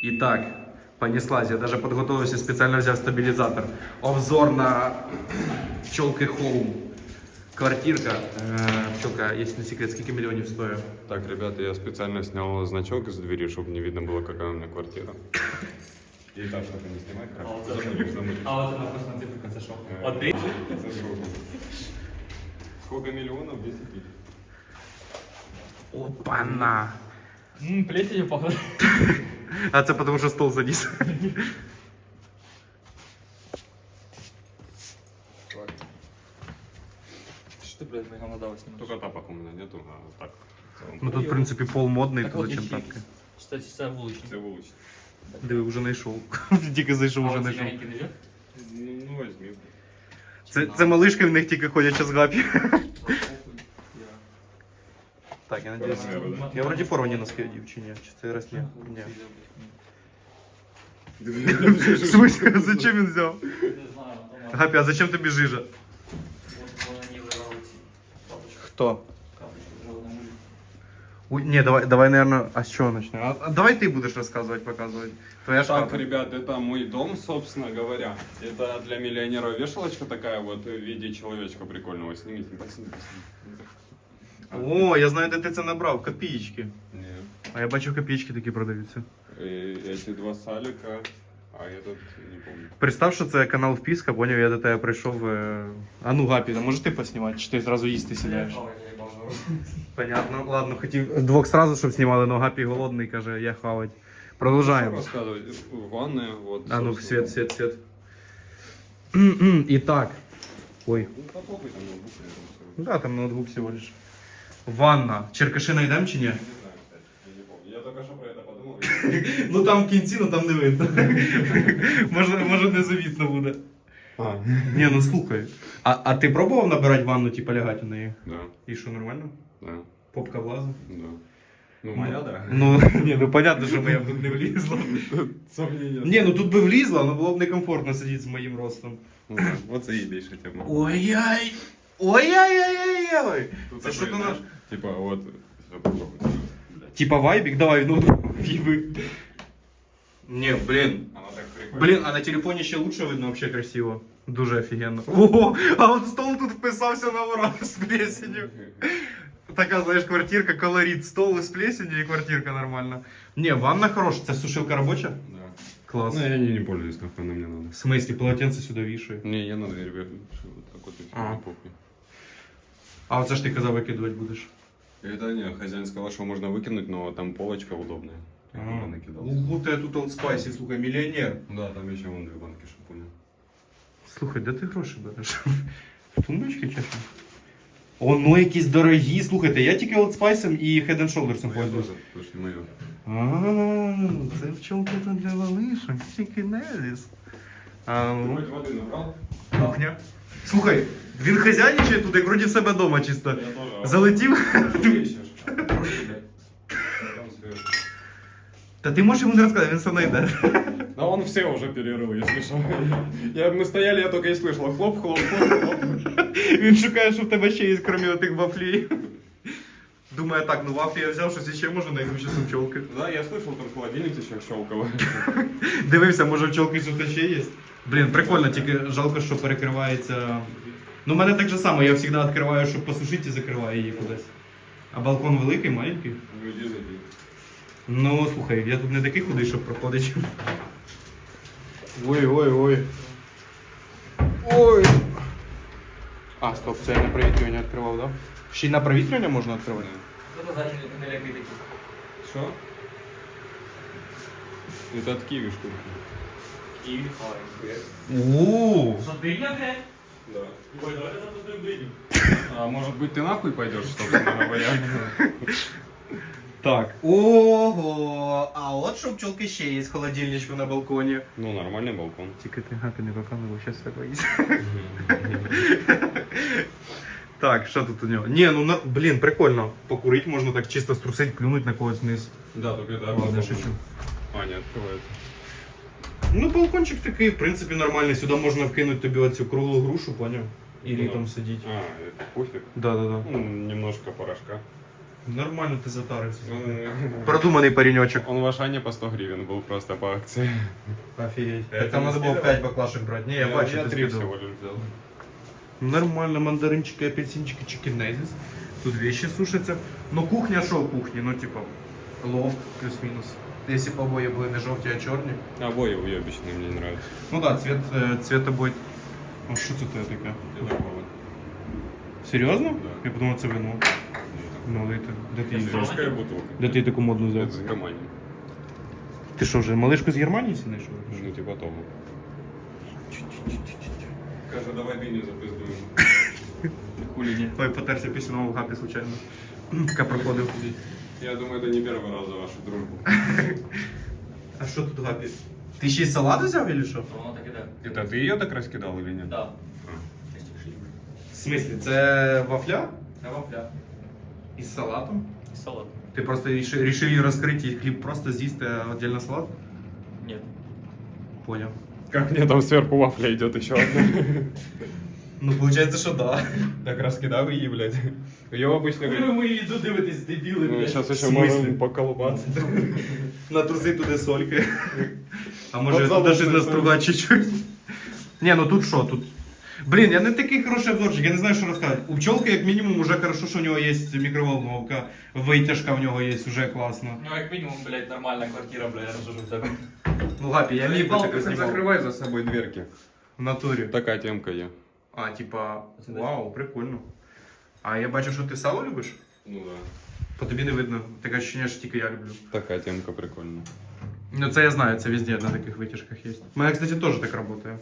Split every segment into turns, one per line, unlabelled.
Итак, понеслась. Я даже подготовился, специально взял стабилизатор. Обзор на пчелки Home. Квартирка. Пчелка, если не секрет, сколько миллионов стоит?
Так, ребята, я специально снял значок из двери, чтобы не видно было, какая у меня квартира. И так, чтобы не снимать, хорошо.
А вот она просто на цифру конце шоу.
Сколько миллионов? 10 тысяч.
Опа-на.
Плесенью похоже.
А это потому что стол заніс.
Что ты, блядь, наголодалась немного?
Только тапок у меня нету, а так. в целом.
Ну тут, в принципі, пол модний,
Так
то
вот,
зачем
еще
тапки?
Кстати, це вуличний.
Це вуличний.
Диви, вже знайшов. Тільки зайшов, вже
А
знайшов.
маленький не идет?
Ну возьми.
Це малишки в них тільки ходять час гапі. Так, я надіюсь. Я вроді порвані носки одів, чи ні? Чи це раз ні? Ні. В смысле, зачем він взяв?
Не знаю, там
Гапі, а зачем тобі жижа?
вот они вырвали тапочки.
Хто?
Капочки вырвали на мужик.
Ой, не, давай, наверное, а с чего начнем? А давай ты будешь рассказывать, показывать. Твоя
Так,
шапка.
ребят, это мой дом, собственно говоря. Это для миллионера вешалочка такая вот в виде человечка прикольного. Снимите, поснимите.
О, я знаю, де ти це набрав, копеечки.
Не.
А я бачу, копеечки такі продаються.
Эти два салика, а этот не помню.
Представ, що це канал Впіска, поняв, я до тебе прийшов. А ну, Гапі, може ти поснімати, чи ти зразу їсти сідаєш? Понятно, ладно, хотів двох сразу, щоб знімали, но Гапі голодний, каже, я хавать. Продовжаємо.
Что рассказывать? Ванная, вот.
А ну,
собственно.
свет. Итак. Ой.
Ну, попробуй там ноутбук рядом с собой.
Да, там ноутбук всего лишь. Ванна. Черкаши найдем чи ні?
Не знаю, кстати, я не помню. Я только что про это подумал.
Ну там в кінці, ну там не видно. Може незавітно буде.
А,
Ні, ну слухай. А ти пробував набирати ванну, типа лягати у неї?
да,
І що, нормально?
да,
Попка влазить?
да. Ну, моя, да.
Ну, ні, ну понятно, що моя б тут не влізла.
Сомнения.
Ні, ну тут би влізла, але було б некомфортно сидіти з моїм ростом.
Ну, да, вот заебейшая тема.
Ой-яй! Ой-яй-яй-яй-яй!
Тут
Це
такой,
що то
знаешь,
наш?
Типа, вот, всё, попробуй.
Типа вайбик? Давай, ну, виби. Не, блін.
Она так прикольно.
Блін, а на телефоні ще лучше видно, вообще красиво. Дуже офігенно. Ого, а от стол тут вписався на ура з плесенью. Така, знаєш, квартирка, колорит. Стол із плесенью і квартирка нормальна. Не, ванна хороша. Це сушилка робоча?
Да.
Клас.
Ну, я не пользуюсь, нахуй, она мне надо.
В смысле, полотенце сюди вішає.
Не, я на дверь вешаю, вот так вот и все,
А.
на попе.
А оце ж ти казав, викидувати будеш.
Это не, хозяин сказал, что можно выкинуть, но там полочка удобная. Я туда накидал.
Будто я тут Old Spice, слухай, мільйонер.
Да, там еще вон две банки шампуня.
Слухай, де ти гроші береш? В тумбочці чи що? О, ну якісь дорогі. Слухайте, я тільки Old Spice і Head and Shoulders
Моя
пользуюсь.
тоже, слушай, мое.
Це пчелка тут для малишок, тільки незіс. А, ну,
Хоть воды набрал?
кухня. Слухай, він хазяйничає тут, як вроді в себе вдома чисто.
Я тоже.
Залетів.
Что ищешь? Там сверху.
Та ти можеш йому не розказати, він все знайде.
Да он все уже перерыл, если что. Мы стояли, я только и слышал. Хлоп, хлоп, хлоп, хлоп.
Він шукає, що в тебе ще є, крім отих вафлів. Думаю, так, ну вафлі я взяв, щось ще можу, знайду ще з пчелки.
Да, я слышал, там холодильник еще щелкал.
Дивився, може в пчелки щось ще є. Блін, прикольно, тільки жалко, що перекривається. Ну, в мене так же само, я завжди відкриваю, щоб посушити і закриваю її кудись. А балкон великий, маленький.
Ну иди зайди.
Ну, слухай, я тут не такий худий, щоб проходити. Ой. Ой. А, стоп, це я на провітрювання відкривав, да? Ще й на провітрювання можна відкривати?
Кто-то зачем не лягай такие.
Что? Это от киви штуки.
Киви,
Ооо.
Что, дыня, блядь?
Да.
Ой, давай запустим дыню.
А может быть ты нахуй пойдешь, собственно говоря?
Так. Ого, а от що пчелки ще є з холодильничку на балконі.
Ну, нормальный балкон.
Тільки ти гапі не показував, зараз все боїться. Так, що тут у нього? Ні, ну, блін, прикольно. Покурити можна так чисто струсить, плюнуть на когось вниз.
Да, только это
Ладно,
балкон.
шучу.
А, не открывается.
Ну, балкончик такий, в принципі, нормальний. Сюди можна вкинути тобі оцю круглу грушу, поняв? І літом сидіти.
А, это пуфик.
Да.
Ну, немножко порошка.
Нормально ти затарився.
Он,
Продуманий паренечок.
он в Ашане по 100 гривен был просто по акции.
Офігеть.
Я
Так там
не
треба було
скидав?
5 баклашек брати. Ні, я бачу,
я
ти
3
скидав.
всего лишь взял.
Нормально, мандаринчики, апельсинчики, чикенезис. Тут вещи сушаться. Ну кухня шо кухні, ну типа лофт плюс-мінус. Якщо б обоє були не жовті, а чорні.
Обои уебищные, мне не нравятся.
Ну да, цвет обоє. А що це таке? Серйозно?
Да.
Я подумав, це вино. Ну, де ти її взяв?
Жесткая бутылка.
Де ти таку модну взяв?
Это с Германии.
Ти що вже малишку з Германії знайшов?
Ну, типа того. Каже, давай дыню запиздуем.
Хули ні.
Ой, потерся після нового хапі, случайно. Така проходив.
Я думаю, это не первый раз за вашу дружбу.
А що тут гапі? Ти ще й салат взяв, чи що?
Воно так іде.
Это ты ее так раскидал или нет?
Да.
В смислі, це вафля?
Це вафля.
Із салатом?
І салат.
Ти просто рішив її розкрити і хліб просто з'їсти, а віддільно салат?
Ні.
Поняв.
Как мне там сверху вафля идет еще одна?
Ну, виходить, що да.
Так раскидал ее, блядь. Ее обычно говорят.
ми йду дивитись, дебіли,
Ну, сейчас еще
В смысле?
можем поколупаться.
Натруси туди сольки. А може
От
туди
залупне
щось настругати чуть-чуть. Ні, ну тут що, тут. Блін, я не такий хороший обзорчик, я не знаю, що розказати. У пчолки, як мінімум, уже хорошо, що у нього є мікроволновка, витяжка в нього є, уже класно.
Ну, як мінімум, блядь, нормальна квартира, блядь, я розжужу в тебе.
Ну, Гапі, я міг би таке знімав.
Закрывай за собой дверки.
В натурі.
Такая темка є.
А, типа, вау, прикольно. А я бачу, що ти сало любиш?
Ну да.
По тобі не видно. Таке ощущення, що тільки я люблю.
Такая темка прикольна.
Ну, це я знаю, це везде на таких витяжках є. У мене, кстати, теж так працює.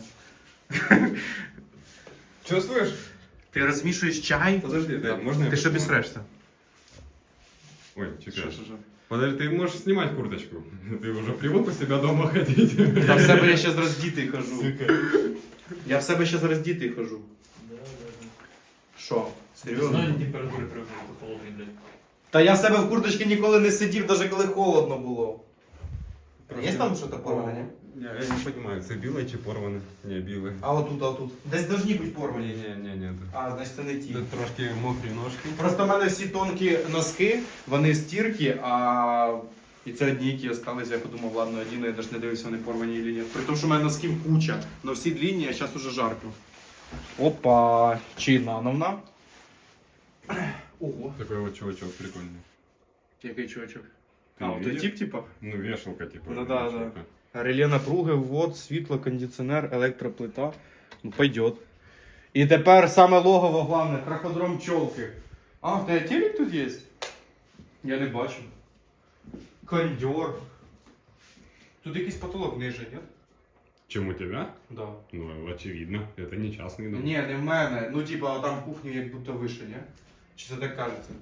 Чувствуешь?
Ти розмішуєш чай,
Подожди, да, можно я
ти що
посниму?
бісрешся?
Ой, чекай. Подожди, ты можешь снимать курточку. Ты уже привык у себя дома ходить.
Та в себе я ще роздітий хожу. Я в себе ще роздітий хожу. Що? Серйозно?
Знаю температури привикли, то холодний, блядь.
Та я в себе в курточці ніколи не сидів, навіть коли холодно було. Є там щось порване, ні?
Я не понимаю, це біле чи порване? Не, біле.
А отут. Десь должні бути порвані.
Не.
А, значить це не ті.
Тут трошки мокрі ножки.
Просто в мене всі тонкі носки, вони стірки, а і це одні, які залишилися. Я подумав, ладно, одіну, я навіть не дивився, вони порвані чи ні. При тому, що в мене носків куча, але всі длинні, а зараз уже жарко. Опа, чи нановна. Ого.
Такой вот чувачок прикольный.
Який чувачок?
Ти
А,
не
от
видів?
тип, типа?
Ну, вешалка, типа.
Ну да, да. Реле напруги, ввод, світло, кондиціонер, електроплита. Ну, пойдет. І тепер саме логово головне, траходром пчолки. А, в тебе телек тут є? Я не бачу. Кондьор. Тут якийсь потолок ниже, ні?
Чем у тебя?
Да.
Ну, очевидно. Это не частный дом.
Ні, не в мене. Ну, типа, там в кухні як будто вище, ні? Чи це так кажеться?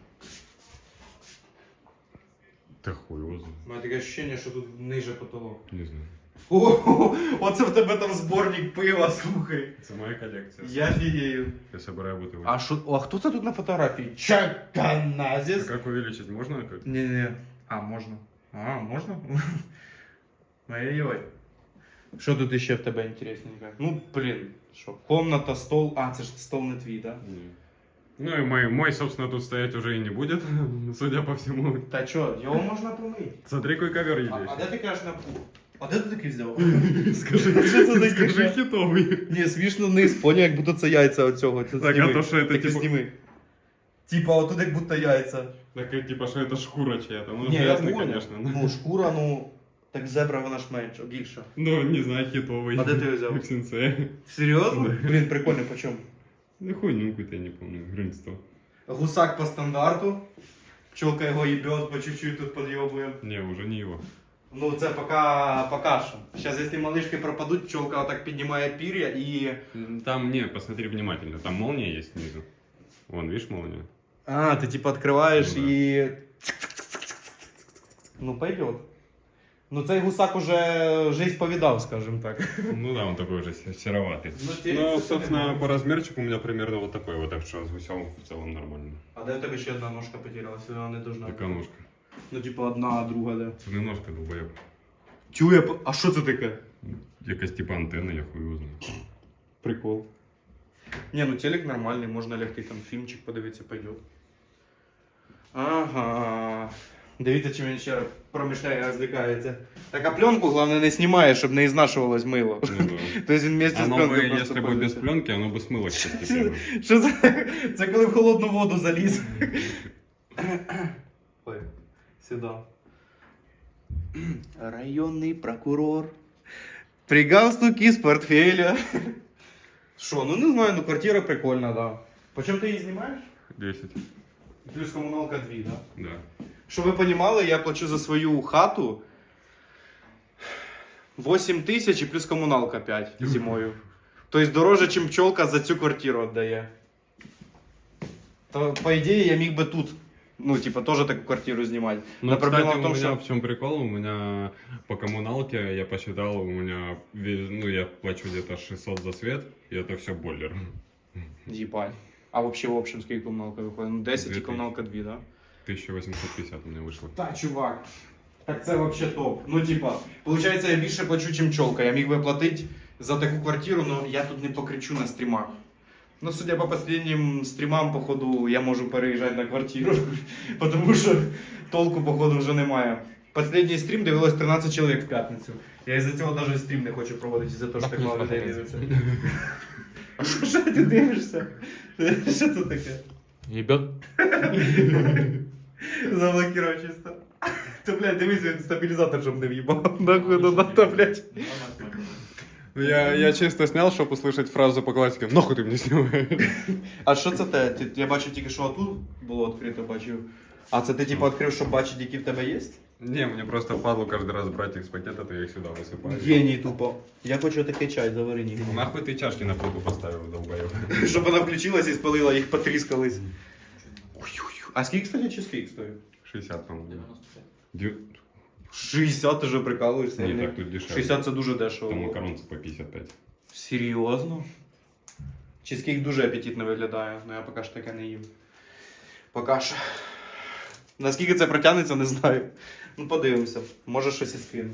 Та хуй его знает.
У мене таке ощущення, що тут ниже потолок.
Не знаю.
О, оце в тебе там зборник пива, слухай.
Это моя коллекция.
Я фігею.
Я собираю бутылки.
А що, а хто це тут на фотографії? Чаканазіс?
Как увеличить можно? Как?
Не. А, можна. А, можна? Ой-ой. Що тут ще в тебе інтересненько? Ну, блін, що? Комната, стол. А, це ж стол не твій, да?
Не. Ну и мой, собственно, тут стоять уже и не будет, судя по всему.
Та чо, його можна помити.
Смотри, какой ковер есть.
А де ти кажеш на пул? А де ти такий взяв?
Скажи,
Що це таке?
скажи хитовый.
Ні, смішно вниз, поняв, як будто це яйця оцього. Це
Так,
зніми.
а то що, це
Так і
типу-
зніми. Типа, отут як будто яйця.
Так, типа, что это шкура чья-то. Ну,
Ні, я
грязный,
понял.
конечно. но-
Ну, шкура, ну, так зебра вона ж менша, більша.
Ну, не знаю, хитовый.
А де ти його взяв?
В сенсее.
Серйозно? Блін, прикольно, по чому?
Ну, хуйню какую-то, я не помню, гривен 100.
Гусак по стандарту. Пчелка його їбет, по чуть-чуть тут підйобуємо.
Не, уже не его.
Ну, це пока що. Зараз, якщо малишки пропадуть, пчелка отак піднімає пір'я і...
Там, не, посмотри внимательно, там молния есть снизу. Вон, видишь молнию?
А, ти типа відкриваєш
Ну, да.
і... Ну, пойдет. Ну, цей гусак уже жизнь повидав, скажем так.
Ну да, он такой уже сероватый.
Ну,
Ну, собственно, по размерчику у меня примерно вот такой вот, так что с гусем в целом нормально.
А де у тебе ще одна ножка потерялась? Вона не должна.
Такая ножка.
Ну, типа, одна, а друга де.
Це не ножка, долбоеб.
Тюя, а що це таке?
Якась типа антенна, я хуй узнаю.
Прикол. Не, ну телек нормальний, можна лягти там фільмчик подивитися, пойдет. Ага. Дивіться, чим він ще раз промишляє, розвлікається. Так, а пленку, головне, не знімає, щоб не ізнашувалось мило.
Ну, да.
Тобто він вместе з
Оно
пленкою
бы,
просто
если бы без
пользується.
пленки, оно бы смылось постепенно.
Що це коли в холодну воду заліз. Ой, сюди. Районний прокурор. При галстуке з портфеля. Що, ну не знаю, ну квартира прикольна, да. Почем ти її знімаєш?
10.
Плюс комуналка 2, да?
Да.
Щоб ви розуміли, я плачу за свою хату 8 тисяч і плюс комуналка 5 зимою. Тобто дороже, ніж пчолка за цю квартиру віддає. То, по ідеї, я міг би тут, ну, типа, теж таку квартиру знімати.
Ну,
Но проблема
кстати,
в тому,
у меня
що...
в чем прикол? У меня по коммуналке, я посчитал, у меня, ну, я плачу где-то 600 за свет, и это все бойлер.
Їбать. А вообще, в общем, скільки комуналка виходить? Ну, 10 і
2000.
комуналка 2, да?
1850 у меня вышло.
Та, чувак. Так це вообще топ. Ну, типа, получається, я більше плачу, чим пчолка. Я міг би платити за таку квартиру, але я тут не покричу на стрімах. Ну, судя по последним стрімам, походу, я можу переїжджати на квартиру, тому що толку, походу, вже немає. Последній стрім дивилось 13 чоловік в п'ятницю. Я із-за цього навіть стрім не хочу проводити, із-за того, що так мало людей дивиться. А що ти дивишся? Що це таке?
Ебет.
Заблокировав чисто. То, блядь, дивись, він стабілізатор, щоб не в'їбав. Нахуй, ну надо, блядь.
Я чисто снял, чтобы услышать фразу по классике «Нахуй ты мне снимаешь?»
А що це те? Я бачу тільки, що отут було відкрито, бачив. А це ти, типу, відкрив, щоб бачити, які в тебе є?
Не, мне просто впадло каждый раз брать их с пакета, то я их сюда высыпаю.
Геній тупо. Я хочу такий чай, заварені.
Нахуй ты чашки на плиту поставил, долбоёб?
Щоб вона включилась і спалила, їх потріскались. А скільки, кстати, чизкейк стоїть?
60, по-моему.
95.
60, ти вже прикалуєшся?
Не, так тут дешевле.
60 це дуже дешево.
Там макаронцы по 55.
Серйозно? Чизкейк дуже апетитно виглядає, але я поки що таке не їм. Поки що. Наскільки це протягнеться, не знаю. Ну, подивимося. Може щось і скину.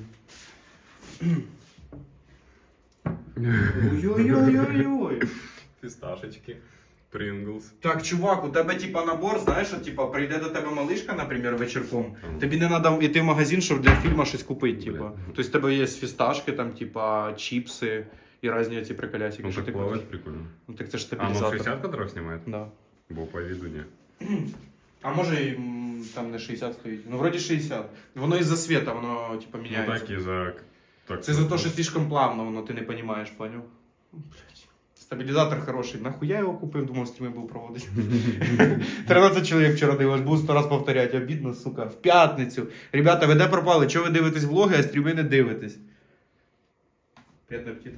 Ой-ой-ой-ой-ой.
Фисташечки. Принглс.
Так, чувак, у тебе типа набор, знаєш, що типа прийде до тебе малишка, наприклад, вечірком. Тобі не треба йти в магазин, щоб для фільму щось купити, типа. Тобто в тебе є фісташки, там, типа, чіпси і різні ці приколясики.
Ну
що
так
ти
плавать
купиш.
прикольно.
Ну так це ж
А, ну
стабілізатор.
60 кадров снимает?
Да.
Бо по виду не.
А може і там не 60 стоїть. Ну, вроді 60. Воно із-за світа, воно типа
Ну
міняється.
так и за... Так,
Це за те, що слишком плавно, воно ти не розумієш, поняв? Блядь. Стабілізатор хороший. Нахуя я його купив, думав, стріми був проводити. 13 чоловік вчора дивилось, буду 100 раз повторяти. Обідно, сука. В п'ятницю. Ребята, ви де пропали? Чого ви дивитесь влоги, а стріми не дивитесь? Приятного аппетита.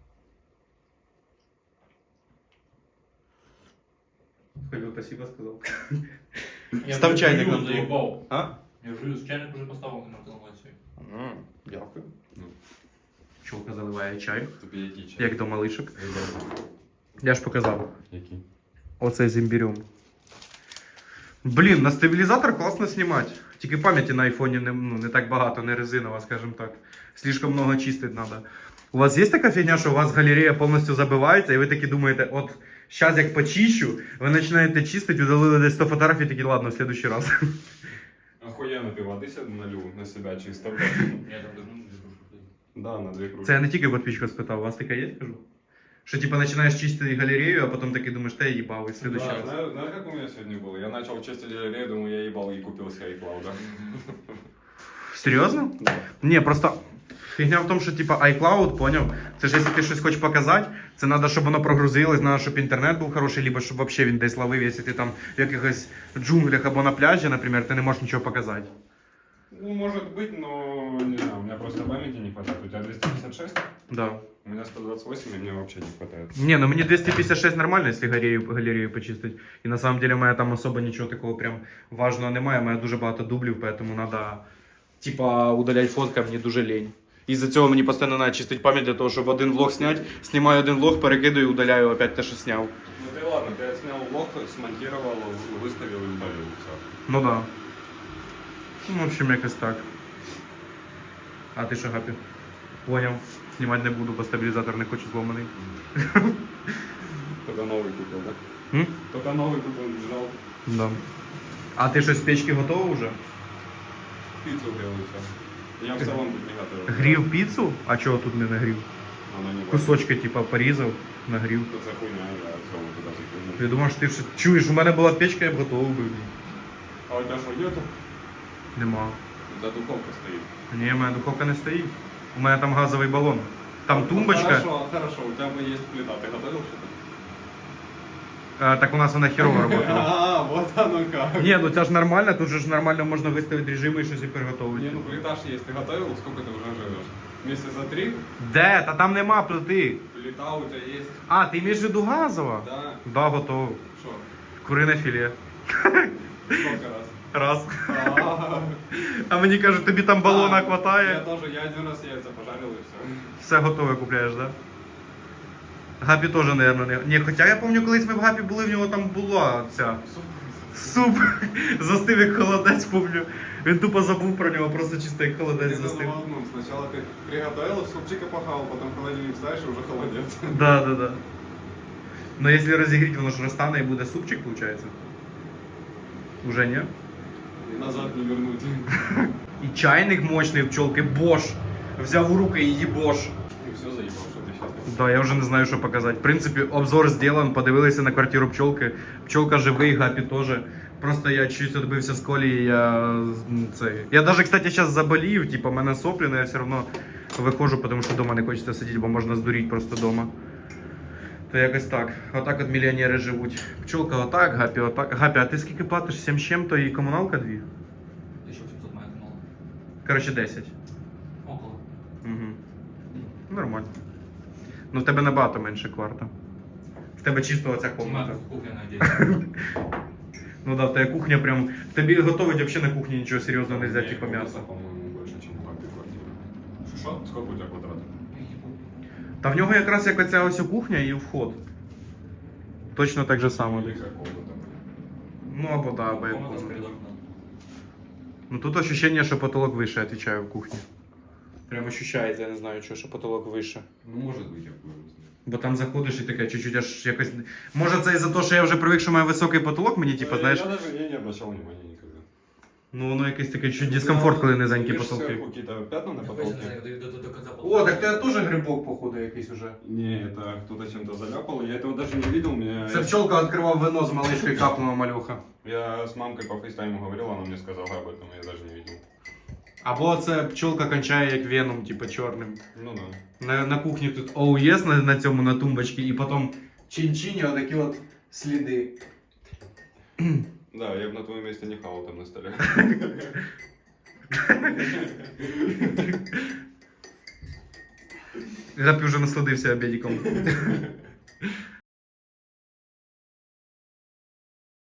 Халил, спасибо сказал. Став чайник на стол.
заебал.
А?
Я вже чайник уже поставив на консумацію.
Дякую. Чолка заливає чай,
Тобі який чай?
як до малишок. Я ж показав.
Який?
Оце з імбірем. Блін, на стабілізатор класно знімати. Тільки пам'яті на айфоні не так багато, не резинова, скажімо так. Слишком много чистити треба. У вас є така фігня, що у вас галерея повністю забивається, і ви такі думаєте, от зараз як почищу, ви починаєте чистити, удалили десь 100 фотографій, такі, ладно, в следующий раз.
Охуенно, ты воды себе налил на себя чисто.
Я там должен
Да, на 2 кружки.
Це я не тільки подписчика спитав, у вас таке є, кажу? Що типа починаєш чистити галерею, а потім таки думаєш, та я їбав, і в следующий
Да,
раз.
знаешь, как у меня сегодня было? Я начал чистить галерею, думаю, я ебал и купил себе iCloud.
Серйозно?
Да.
Ні, просто фігня в тому, що типа iCloud, поняв? Це ж якщо ти щось хочеш показати, це треба, щоб воно прогрузилось, треба, щоб інтернет був хороший, либо щоб взагалі він десь ловив, якщо ти там в якихось джунглях або на пляжі, наприклад, ти не можеш нічого показати.
Ну, может быть, но не знаю, у меня просто памяти не хватает. У тебя 256,
Да.
у меня 128, и мне вообще не хватает.
Не, ну мені 256 нормально, якщо галерею почистити. І на самом деле моя там особо нічого такого прям важного немає, у мене дуже багато дублів, поэтому треба, типа, удаляти фотки, мені дуже лень. Із-за цього мені постійно треба чистити пам'ять для того, щоб один влог зняти, знімаю один влог, перекидаю, удаляю опять те, що зняв.
Ну ты ладно, ты снял влог, смонтировал, выставил и удалил. Все.
Ну да. Ну, в общем, якось так. А ти що, Гапі? Поняв. Знімати не буду, бо стабілізатор не хочу зломаний.
Только новый купил, да?
М?
Только новый купил, не жал.
Да. А ти щось з печки готовий вже?
Пиццу грел и все. Я в целом тут не готовил.
Грів піцу? А чого тут не нагрів?
Она не
Кусочки, типа, порізав, нагрів.
Тут за хуйня, я в целом туда закинул.
Я думав, що ти все... Чуєш, у мене була печка, я б готовий був.
А у тебя что, нету?
Нема.
Да духовка стоит.
Ні, у мене духовка не стоїть. У мене там газовий балон. Там
Ну,
тумбочка.
Хорошо, хорошо, у тебя бы есть плита. Ты готовил что-то?
Так у нас вона херово працювала.
А, вот оно как.
Ні, ну це ж нормально, тут же ж нормально можна виставити режими і щось і приготувати.
Не, ну плита ж есть. Ты готовил? Сколько ты уже живешь? Месяца 3?
Де? Та там нема плити.
Плита у тебя есть?
А, ти маєш в виду газова?
Да.
Да, готово.
Что?
Курине філе.
Сколько раз?
Раз.
А,
А мені кажуть, тобі там балона
Я
хватає.
тоже, я один раз яйца пожарил и все.
Все готове купляєш, да? Гапі теж, мабуть, не. Ні, хоча я пам'ятаю, колись ми в Гапі були, в нього там була ця. Суп застив як холодець, помню. Він тупо забув про нього, просто чисто як холодець застив.
Сначала ты приготовил, супчика похавал, потом в холодильник ставишь и уже холодец.
Да, да, да. Но якщо розігріти, воно ж розтане і буде супчик, виходить? Уже ні?
Назад не вернуть.
І чайник мощний в пчелки, Bosch. Взяв у руки і її Bosch.
И все заебал, что ты сейчас.
Да, я вже не знаю, що показати. В принципі, обзор зроблен, подивилися на квартиру пчелки. Пчелка живий, Гапі теж. Просто я чуть відбився з колії, Я даже, кстати, зараз заболів, типа, в мене соплі, але я все одно виходжу, тому що вдома не хочеться сидіти, бо можна здуріти просто вдома. То якось так. Отак от мільйонери живуть. Пчелка отак, Гапі отак. Гапі, а ти скільки платиш? 7 з чим-то і комуналка 2?
1700 моя канал.
Коротше, 10.
Около.
Угу. Нормально. Ну в тебе набагато менше кварта. В тебе чисто оця комната.
Кухня, надеюсь.
Ну да, в тебе кухня прям. В тобі готовить взагалі на кухні нічого серйозного не взяти, типа
Комната,
м'ясо.
по-моему, больше, чем в папе квартира.
Що?
Сколько у тебя квадратов?
Та в нього якраз як оця ось кухня і вход. Точно так же само.
Или как комната?
Ну або да, або як
Комната з
комната.
коридором.
Ну тут ощущение, що потолок вище, отвечаю, в кухні. Прям ощущається, я не знаю, що потолок вище.
Ну, может быть, я хуй его знаю.
Бо там заходиш і таке чуть-чуть аж якось. Може це із-за того, що я вже привик, що має високий потолок, мені типу, знаєш.
Я не обращал внимания никогда.
Ну воно якесь таке чуть дискомфорт, коли низенькі
Видишь,
потолки.
сверху какие-то пятна на потолке?
До конца
О, так тебе теж грибок, походу, якийсь уже.
Не, это кто-то чем-то заляпал. Я этого даже не видел.
Це пчелка відкривав вино з малишкою, капнула малюха.
Я с мамкой по фейстайму говорил, она мне сказала об этом, я даже не видел.
Або це пчелка кончає як веном, типу чорним.
Ну да.
На кухні тут ОУЄС на цьому на тумбочці, і потім чин-чині отакі от сліди.
Да, я бы на твоем месте не хавал там на столе.
Гапі вже насладився обідиком.